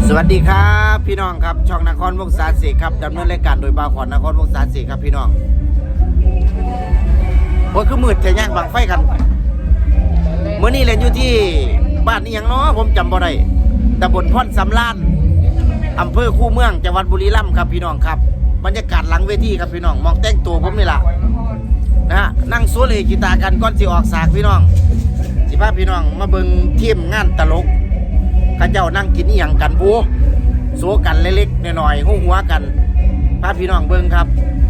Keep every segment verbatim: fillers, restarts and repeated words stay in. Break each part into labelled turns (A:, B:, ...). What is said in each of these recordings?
A: สวัสดีครับพี่น้องครับช่องนครวงศาสีครับดำเนินรายการโดยบ่าวขวัญนครวงศาสีครับพี่น้องโอ้ยคือมืดแท้ย่างบังไฟกันเมื่อนี้เล่นอยู่ที่บ้านนี้ยังเนาะผมจำบ่ได้ตำบลพรสำรานอำเภอคูเมืองจังหวัดบุรีรัมย์ครับพี่น้องครับบรรยากาศหลังเวทีครับพี่น้องมองแต่งตัวผมนี่ล่ะนะฮะนั่งโซเลกีตาร์กันก่อนสิออกสากพี่น้องสิพาพี่น้องมาเบิ่งทีมงานตลกข้าเจ้านั่งกินอีหยังกันบูโซกันเล็กๆหน่อยๆหัวหัวกันพาพี่น้องเบิ่งครับ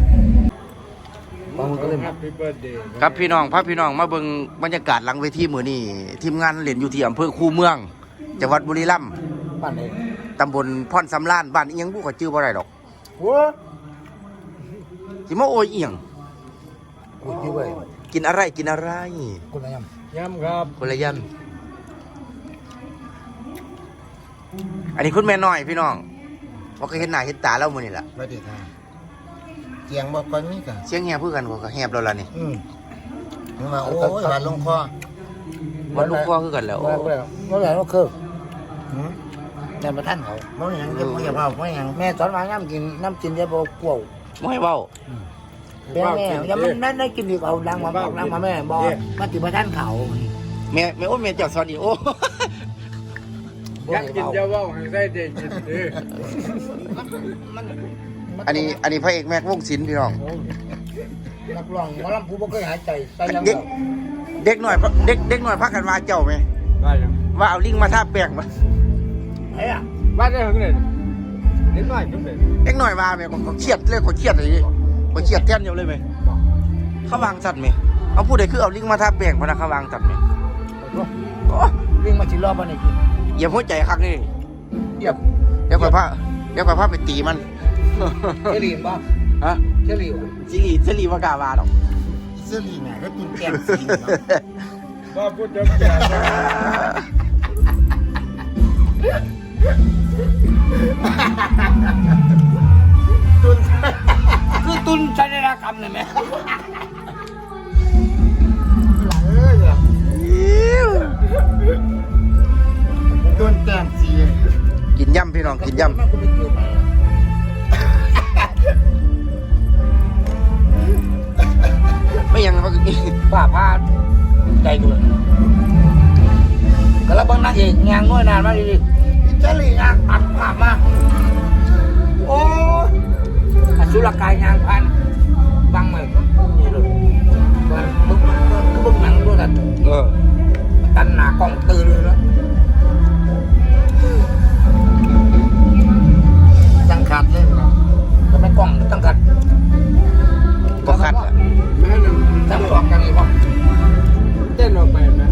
A: ครับพี่น้องพาพี่น้องมาเบิ่งบรรยากาศหลังเวทีมื้อนี้ทีมงานเล่นอยู่ที่อำเภอคูเมืองจังหวัดบุรีรัมย์บ้านไหนตำบลพรสำรานบ้านอีหยังบ่ก็ชื่อบ่ได้ดอกโอ้สิมาโอยอีหยังกินอะไรกินอะไรคนละยำยำครับคนละยำอันนี้คุณแม่น้อยพี่น้องว่าเคยเห็นหน้าเห็นตาแล้วมื้อนี่ล่ะสวัสดีค่ะเสียงบ่ค่อยมีกันเสียงแหบคือกันก็แหบแล้วล่ะนี่อือว่าโอ้ยวันลงคอวันลงคอคือกันแล้วว่าว่าแล้วว่าคือหือแม่บ่ทันเขาบ่หยังจะบ่อย่าเว้าบ่หยังแม่สอนว่าน้ำกินน้ำกินอย่าบ่กลัวบ่ให้เว้าแม่อย่ามันนั่นได้กินอีกเอาดังมาบอกดังมาแม่บ่มาติบ่ทันเขาแม่แม่โอ้แม่เจ้าสอนอีโอ้
B: ยังกินจะว่าให้ได้เด็กกินเด้อ
A: อันนี้อันนี้พระเอกแม็กวงศิลป์พี่น้อง
C: นักร้องหมอลำผู้บ่เคยหายใจใส่ยัง
A: เด็กเด็กหน่อยเด็กเด็กหน่อยพักกันว่าเจ้าไหม
B: ว่ายัง
A: ว่าเอาลิงมาทาแป้งมา
C: ไอ้อะ
B: ว่าได้ถึงเลยนิดหน่อยก็เป็น
A: เด็กหน่อยว่าไหมเขาเครียดเลยเขาเครียดอะไรเขาเครียดแท่นเดียวเลยไหมเขาวางสัตว์ไหมเขาพูดได้คือเอาลิงมาทาแป้งพนักเขาวางสัตว์ไหม
C: ลิงมาสิรอบบ่นี่
A: อย่าหัวใจคักนี่
C: เหยียบ
A: เดี๋ยวก่อนพระเดี๋ยวก่อนพระไปตีมัน
C: เชลีนป่ะ
A: ฮะ
C: เชลีน
A: เชลีเชลีว่ากาวาหรอก
C: เชลีนน่ะก็ตุนแก้มสี
B: ว่าพูดจะแก่
C: ตุนคือตุนชัยนากรรมเลยไหมตุนแก้มสี
A: กินย่ำพี่น้องกินย่ำไม่ยังเขากิน
C: ผ้าผ้าใจกูเลยก็แล้วบางนักเอกงานง่อยนานมากดิเจลีงานอัดภาพมาโอ้อสุรกายงานพันบังเหมือนนี่เลยบึ้งบึ้งบึ้งหนังด้วยกัน
A: เออ
C: ตันหนากล้องตื่นเลยนะตั้งขัดเลยก็ไม่กล้องตั้งขัด
A: ก็ขัดอ่ะ
B: แม่หนึ่ง
C: ตั้งหลอกกันอีกป่ะ
B: เต้นออกไปนะ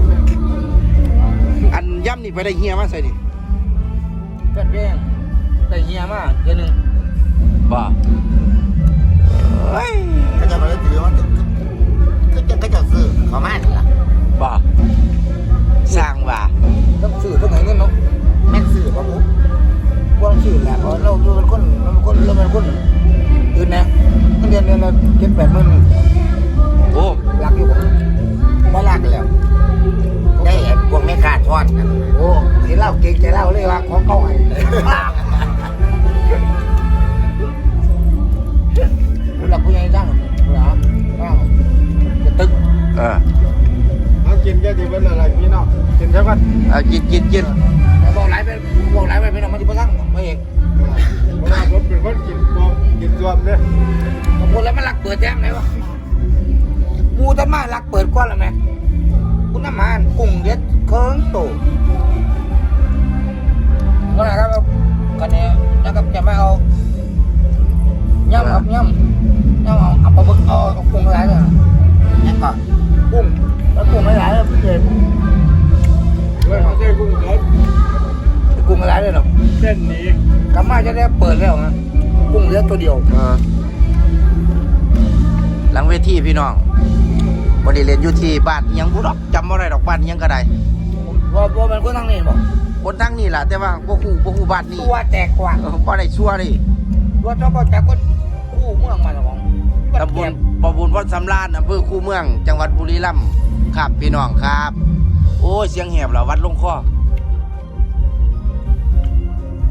A: อันย่ำนี่ไปได้เฮียมาใส่ดิ
C: เป็นเรื่องได้เฮียมาเดือนหนึ่ง
A: บ้าเฮ้ย
C: ก็จะมาได้ถือว่าก็จะก็จะซื้อขอมาหนึ่งละ
A: บ้าสร้างบ้า
C: ต้องซื้อต้องไหนเงินเนาะแม่ซื้อป่ะปุ๊บพวกซื้อแหละเพราะเราเราเป็นคนเราเป็นคนเราเป็นคนอื่นนะเดือนเดือนเราเก็บแปดหมื่น
A: โอ้
C: รักอยู่ผมไม่รักแล้วได้เห็นพวกไม่ขาดทอดกันโอ้สิเล่าเก่งใจเล่าเลยว่าของเขาไงคุณหลับผู้ใหญ่จังเหรอจะตึก
A: เออ
B: เอากินแค่ที่เป็นอะไรพี่น้องกินใช่ปะ
A: เอากินกินกิน
C: บอกไหลไปบอกไหลไปพี่น้องมันจะมาทั้งไม่เอก
B: เวลาผมเป็นคนกินปองกินรวมเนี่ย
C: บางคนแล้วมันรักเปิดแจ้งไหนวะมูท่านมารักเปิดก้อนแล้วไหมคุณน้ำมันกุ้งเด็ดเคิงโตก็นะครับกันเนี่ยนะครับจะไม่เอาย่ำครับย่ำย่ำเอาเอาปลาบึกเอากุ้งอะไรเลยนี่ก่อนกุ้งแล้วกุ้งอะไรเลยเด็ด
B: เว้ยเขาใช้กุ้งสด
C: กุ้งอะไรเลยเนาะ
B: เส้นนี้
C: กำมาจะได้เปิดแล้วนะกุ้งเลือดตัวเดียว
A: หลังเวทีพี่น้องวันนี้เรียนอยู่ที่บ้านยังบุรอกจำอะไรดอกบ้านยังก็ได้
C: ว่าว่ามันคนทั้งนี้บอก
A: คนทั้งนี้แหละแต่ว่าพวกคู่พวกคู่บ้านนี้
C: ตัวแตกกว่า
A: พอได้ชั่วเลย
C: ว่าเจ้าก็แตกคนคู่เมืองมาของ
A: ตำบลปบุญวัดสำราญอำเภอคูเมืองจังหวัดบุรีรัมย์ครับพี่น้องครับโอ้เสียงแหบเหรอวัดลงคอ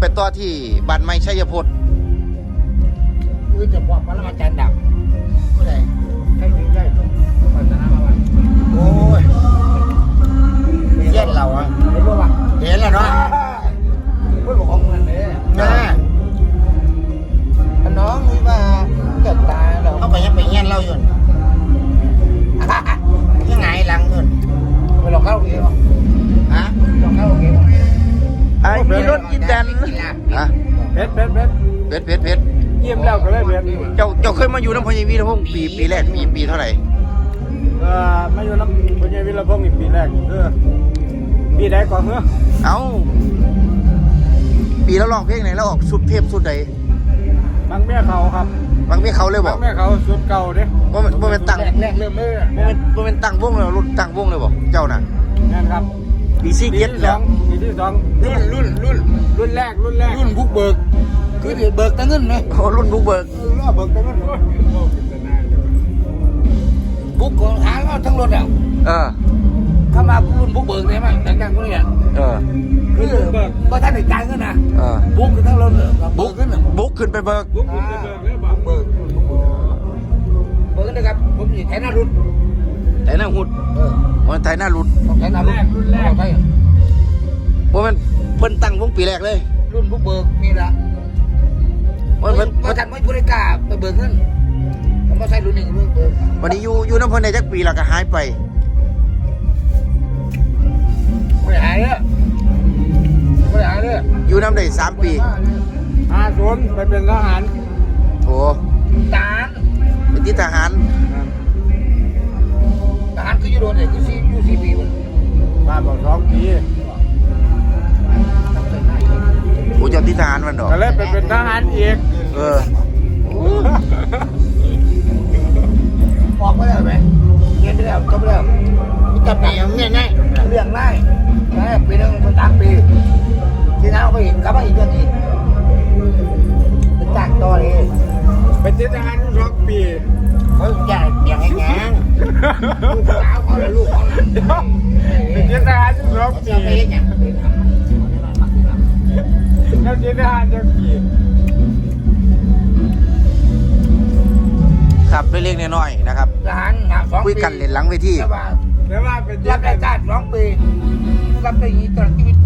A: ไปต่อที่บ้านไม้ชัยพจน์
C: คือจะบอกว่าอาจารย์ดับผู้ใด
B: ใช่ถึงใช่ปัตนามาวัน
C: โอ้ยเย็นเราอ่ะเห็นป่าวะเห็นแล้วเนาะพูดบอกของมันเลยนะน้องนี่ว่าเกิดตายเราเขาไปยังไปเงี้ยเราอยู่ยังไงหลังเงินไปหลอกเข้าโอเคป่ะฮะหลอกเข้าโอเคป่ะ
A: ไอ้มีรถอีแตนฮะ
B: เพชรเพชรเพชร
A: เพชรเพชรเพชร
B: เยี่ยมแล้วก็เลยเพชร
A: เจ้าเจ้าเคยมาอยู่น้ำพญวีทพงศ์ปีปีแรกปีปีเท่าไหร่
B: เอ่อมาอยู่น้ำพญาวิรพงศ์อีกปีแรกเออปีใดก่อนเมื่อ
A: เอ้าปีแล้วร้องเพลงไหนแล้วออกสุดเทพสุดใด
B: บางแม่เขาครับ
A: บางเพลงเขาเลยบ
B: บา
A: อก
B: งแม่เขาสุดเก่าเด้
A: ว่ามันว่ามันตั้ง
C: แรกแรกเริ่มเลย
A: ว่ามันว่ามันตั้งวงเลยรุ่นตั้งวงเลยบอกเจ้าน่ะ
B: นั่นครับ
A: ปีซี่
B: ปี
A: เก็ต
B: ที่ส
A: แล้
B: อ
A: ว
B: งปีที่สอง
C: รุ่นรุ่นรุ่น
B: รุ่นแรกรุ่นแรก
C: รุ่นบุกเบิกคือเบิกตั้งเงินไหม
A: โอ้รุ่นบุกเบิก
B: รอบเบิกแต่มัน
C: บุกของหาเราทั้งรถอ่ะ
A: เออ
C: เข้ามารุ่นบุกเบิกได้ไหมแต่งงานคนนี้อ่ะ
A: เออ
C: คือเมื่อท่านได้จ่ายเงินนะ
A: เออ
C: บุกคือทั้งรถบุกขึ้น
A: บุกขึ้นไปเบิก
B: บุกบุกเบิกเลยบอก
C: เบิกเบิกนะครับผมอยู่แถวหน้ารุ่น
A: แต่หน้าหุด
C: เออ
A: มันไทยหน้ารุด
C: ของแถวหน้ารุ่นรุ่นแรกใช่
A: ว่ามันเพิ่นตั้งวงปีแรกเลย
C: รุ่นบุกเบิกนี่ละ
A: ว่า
C: เมื่
A: เพิ่
C: อน ท่านไม่บริการไปเบิกเงินผมมาใช้รุ่นหนึ่งรุ่นเบิก
A: วันนี้อยู่อยู่น้ำเพิ่นได้จักปีแล้วก็หายไป
C: ไม่หายเลยไม่หายเลย
A: อยู่น้ำได้สามปี
B: ห้าศูนย์ไปเป็นทหาร
A: โอ้
C: ทหาร
A: เป็นที่ทหาร
C: ทหารคืออยู่โดนเนี่ยคือซีอยู่ซีปีมัน
B: มาบอกสองปี
A: โอ้เจ้าที่ทหารมันดอก
B: ก็เลยไปเป็นทหารอีก
A: เออ
C: ออกไปแล้วไหมเรียนไปแล้วจบไปแล้วจับไหนอย่างเงี้ยง่ายเรื่องง่ายง่ายปีนึงเป็นสามปีทีนั้นเอาไปอีกกลับมาอีกเดือนอีกเป็นจ้างต่อเลย
B: เป็นทหารสองปี
C: เขาจ่ายอย่างไงแงลูกสาวเขาและลูกเขา
B: เป็นทหารสอง
C: เขา
B: ปี
C: จะไปอย่าง
B: แล้วเป็นทหารสองปี
A: ครับเล็กๆน้อยๆนะครับ
C: ทหารหาสองปี
A: คุยกันเล่นหลังเวที
B: แต่ว่าเป็น
C: รับราชการสองปีรับได้ยี่ตลอดชีวิต